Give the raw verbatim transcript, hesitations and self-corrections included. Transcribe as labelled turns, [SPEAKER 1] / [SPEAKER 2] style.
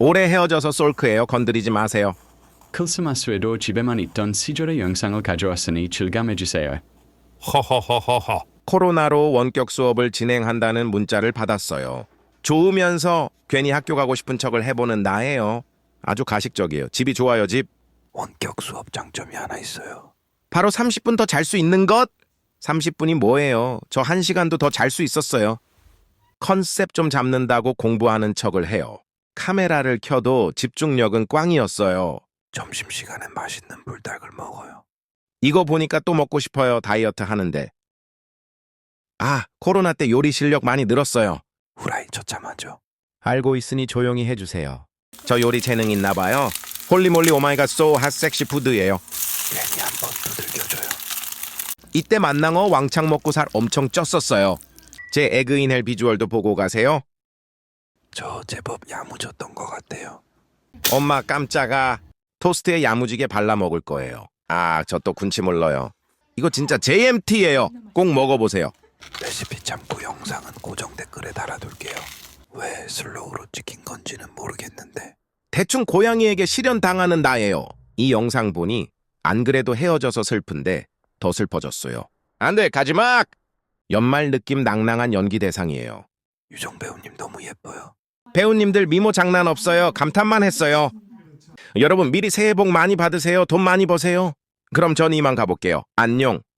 [SPEAKER 1] 오래 헤어져서 솔크예요. 건드리지 마세요.
[SPEAKER 2] 크리스마스에도 집에만 있던 시절의 영상을 가져왔으니 즐감해주세요.
[SPEAKER 3] 허허허허허.
[SPEAKER 1] 코로나로 원격 수업을 진행한다는 문자를 받았어요. 좋으면서 괜히 학교 가고 싶은 척을 해보는 나예요. 아주 가식적이에요. 집이 좋아요, 집.
[SPEAKER 3] 원격 수업 장점이 하나 있어요.
[SPEAKER 1] 바로 삼십 분 더 잘 수 있는 것? 삼십 분이 뭐예요? 저 한 시간도 더 잘 수 있었어요. 컨셉 좀 잡는다고 공부하는 척을 해요. 카메라를 켜도 집중력은 꽝이었어요.
[SPEAKER 3] 점심시간에 맛있는 불닭을 먹어요.
[SPEAKER 1] 이거 보니까 또 먹고 싶어요. 다이어트 하는데. 아, 코로나 때 요리 실력 많이 늘었어요.
[SPEAKER 3] 후라이 처참하죠.
[SPEAKER 1] 알고 있으니 조용히 해주세요. 저 요리 재능 있나 봐요. 홀리몰리 오마이갓 소 핫 섹시 푸드예요.
[SPEAKER 3] 괜히 한번 두들겨줘요.
[SPEAKER 1] 이때 만낭어 왕창 먹고 살 엄청 쪘었어요. 제 에그인헬 비주얼도 보고 가세요.
[SPEAKER 3] 저 제법 야무졌던 것 같아요.
[SPEAKER 1] 엄마 깜짝아. 토스트에 야무지게 발라 먹을 거예요. 아, 저 또 군침 흘러요. 이거 진짜 제이엠티예요. 꼭 먹어보세요.
[SPEAKER 3] 레시피 참고 영상은 고정 댓글에 달아둘게요. 왜 슬로우로 찍힌 건지는 모르겠는데
[SPEAKER 1] 대충 고양이에게 실현당하는 나예요. 이 영상 보니 안 그래도 헤어져서 슬픈데 더 슬퍼졌어요. 안 돼, 가지마! 연말 느낌 낭낭한 연기 대상이에요.
[SPEAKER 3] 유정 배우님 너무 예뻐요.
[SPEAKER 1] 배우님들 미모 장난 없어요. 감탄만 했어요. 여러분 미리 새해 복 많이 받으세요. 돈 많이 버세요. 그럼 전 이만 가볼게요. 안녕.